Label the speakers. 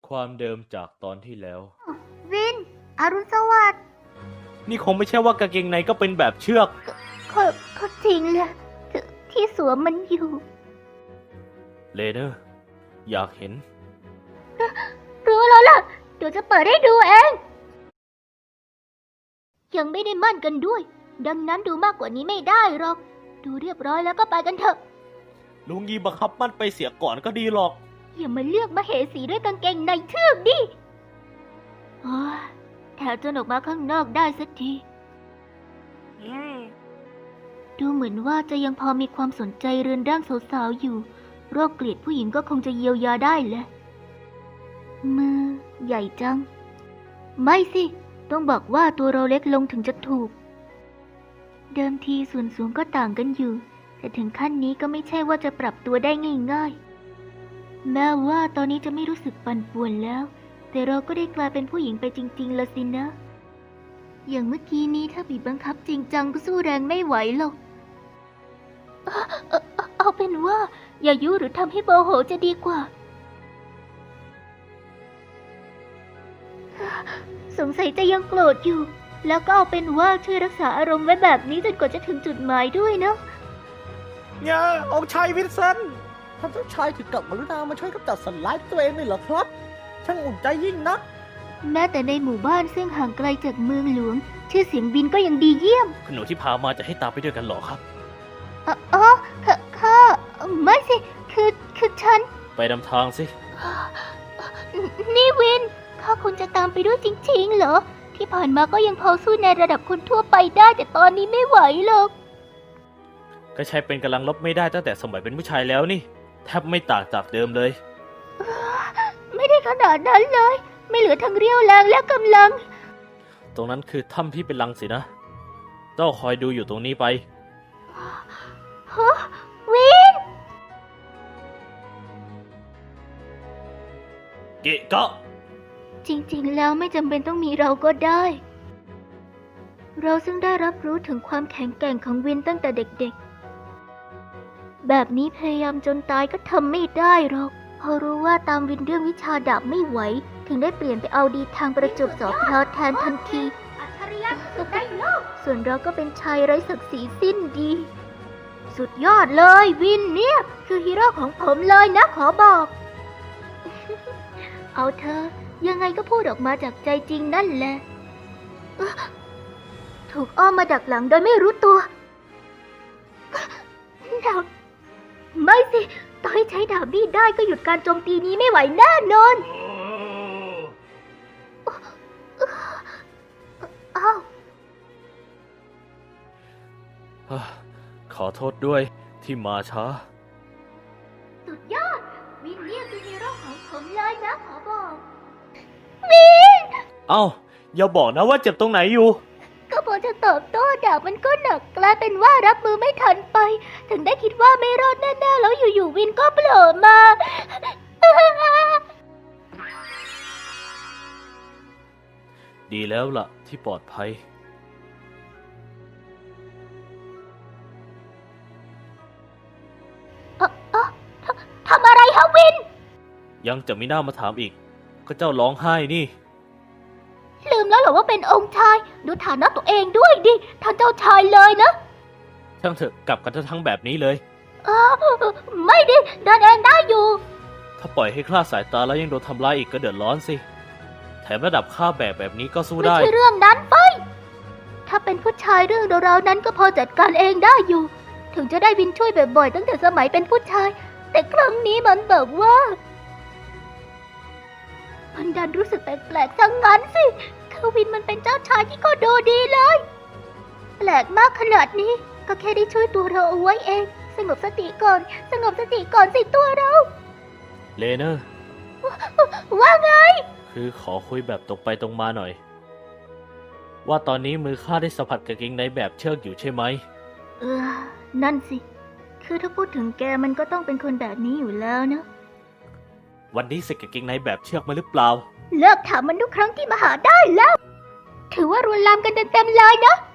Speaker 1: ความเดิมจากตอนที่แล้ว
Speaker 2: วินอรุณสวัสดิ์
Speaker 1: นี่คงไม่ใช่ว่ากางเกงในก็เป็นแบบเชือก
Speaker 2: ก็จริงแหละที่สวมมันอยู่
Speaker 1: เลเนอร์อยากเห็น
Speaker 2: รู้แล้วล่ะเดี๋ยวจะเปิดให้ดูเองยังไม่ได้มั่นกันด้วยดังนั้นดูมากกว่านี้ไม่ได้หรอกดูเรียบร้อยแล้วก็ไปกันเถอะ
Speaker 1: ลุงยีบังคับมั่นไปเสียก่อนก็ดีหรอก
Speaker 2: อย่ามาเลือกมาเหสีด้วยกางเกงในเทือกดิแถวจนออกมาข้างนอกได้สักทีดูเหมือนว่าจะยังพอมีความสนใจเรือนร่างสาวๆอยู่โรคเกลียดผู้หญิงก็คงจะเยียวยาได้แหละมือใหญ่จังไม่สิต้องบอกว่าตัวเราเล็กลงถึงจะถูกเดิมทีส่วนสูงก็ต่างกันอยู่แต่ถึงขั้นนี้ก็ไม่ใช่ว่าจะปรับตัวได้ง่ายๆแม้ว่าตอนนี้จะไม่รู้สึกปั่นป่วนแล้วแต่เราก็ได้กลายเป็นผู้หญิงไปจริงๆละสินะอย่างเมื่อกี้นี้ถ้าบีบบังคับจริงจังก็สู้แรงไม่ไหวหรอกเอาเป็นว่าอย่ายุหรือทำให้โมโหจะดีกว่าสงสัยจะยังโกรธอยู่แล้วก็เอาเป็นว่าช่วยรักษาอารมณ์ไว้แบบนี้จนกว่าจะถึงจุดหมายด้วยนะ
Speaker 3: เนี่ยองค์ชายวินเซนต์ท่านเจ้าชายถึงกับกรุณามาช่วยกำจัดสัตว์ร้ายตัวเองเลยเหรอครับช่างอุ่นใจยิ่งนัก
Speaker 2: แม้แต่ในหมู่บ้านซึ่งห่างไกลจากเมืองหลวงชื่อเสียงบินก็ยังดีเยี่ยม
Speaker 1: คุณหนูที่พามาจะให้ตามไปด้วยกันหรอครับ
Speaker 2: ข้าไม่สิคือฉัน
Speaker 1: ไปนำทางสิ
Speaker 2: นี่วินข้าคุณจะตามไปด้วยจริงๆเหรอที่ผ่านมาก็ยังพอสู้ในระดับคนทั่วไปได้แต่ตอนนี้ไม่ไหวหรอก
Speaker 1: ก็ใช้เป็นกำลังลบไม่ได้ตั้งแต่สมัยเป็นผู้ชายแล้วนี่แทบไม่ต่างจากเดิมเลย
Speaker 2: ไม่ได้ขนาดนั้นเลยไม่เหลือทั้งเรี่ยวแรงและกำลัง
Speaker 1: ตรงนั้นคือถ้ำที่เป็นรังสินะเจ้าคอยดูอยู่ตรงนี้ไป
Speaker 2: วิน
Speaker 1: เกะกะ
Speaker 2: จริงๆแล้วไม่จำเป็นต้องมีเราก็ได้เราซึ่งได้รับรู้ถึงความแข็งแกร่งของวินตั้งแต่เด็กๆแบบนี้พยายามจนตายก็ทำไม่ได้หรอกพอรู้ว่าตามวินเรื่องวิชาดาบไม่ไหวถึงได้เปลี่ยนไปเอาดีทางประจวบสอบพลอแทนทันทีส่วนเราก็เป็นชายไร้ศักดิ์ศรีสิ้นดีสุดยอดเลยวินเนี่ยคือฮีโร่ของผมเลยนะขอบอกเอาเธอยังไงก็พูดออกมาจากใจจริงนั่นแหละถูกอ้อมมาดักหลังโดยไม่รู้ตัวดาบไม่สิต่อให้ใช้ดาบนี้ได้ก็หยุดการโจมตีนี้ไม่ไหวแน่นอนอ้าว
Speaker 1: ขอโทษด้วยที่มาช้า
Speaker 2: สุดยอดวินเนี่ยคือฮีโร่ของผมเลยนะขอบอกวิน
Speaker 1: เอ้าอย่าบอกนะว่าเจ็บตรงไหนอยู่
Speaker 2: ก็พอจะตอบโต้ดาบมันก็หนักกลายเป็นว่ารับมือไม่ทันไปถึงได้คิดว่าไม่รอดแน่ๆแล้วอยู่ๆวินก็โผล่มา
Speaker 1: ดีแล้วล่ะที่ปลอดภัย
Speaker 2: ทำอะไรฮะวิน
Speaker 1: ยังจะมีหน้ามาถามอีกก็เจ้าร้องไห้นี่
Speaker 2: ลืมแล้วเหรอว่าเป็นองค์ชายดูฐานะตัวเองด้วยดิท่านเจ้าชายเลยนะ
Speaker 1: ช่างเถอะกลับกันทั้งแบบนี้เลย
Speaker 2: ไม่ดิเดินเองได้อยู่
Speaker 1: ถ้าปล่อยให้คลาดสายตาแล้วยังโดนทำร้ายอีกก็เดือดร้อนสิแถมระดับค่าแบบนี้ก็สู้ได้
Speaker 2: ไม่ใช่เรื่องนั้นไปถ้าเป็นผู้ชายเรื่องราวนั้นก็พอจัดการเองได้อยู่ถึงจะได้วินช่วยบ่อยๆตั้งแต่สมัยเป็นผู้ชายแต่ครั้งนี้มันแบบว่ามันดันรู้สึกแปลกๆทั้งนั้นสิคือวินมันเป็นเจ้าชายที่ก็ดูดีเลยแปลกมากขนาดนี้ก็แค่ได้ช่วยตัวเราเอาไว้เองสงบสติก่อนสิตัวเรา
Speaker 1: เลเนอร์
Speaker 2: ว่าไง
Speaker 1: คือขอคุยแบบตรงไปตรงมาหน่อยว่าตอนนี้มือข้าได้สัมผัสกางเกงในแบบเชือกอยู่ใช่ไหม
Speaker 2: นั่นสิคือถ้าพูดถึงแกมันก็ต้องเป็นคนแบบนี้อยู่แล้วนะ
Speaker 1: วันนี้ใส่กางเกงในแบบเชือกมาหรือเปล่า
Speaker 2: เลิกถามมันทุกครั้งที่มาหาได้แล้วถือว่ารุนแรงกันเต็มๆเลยนะ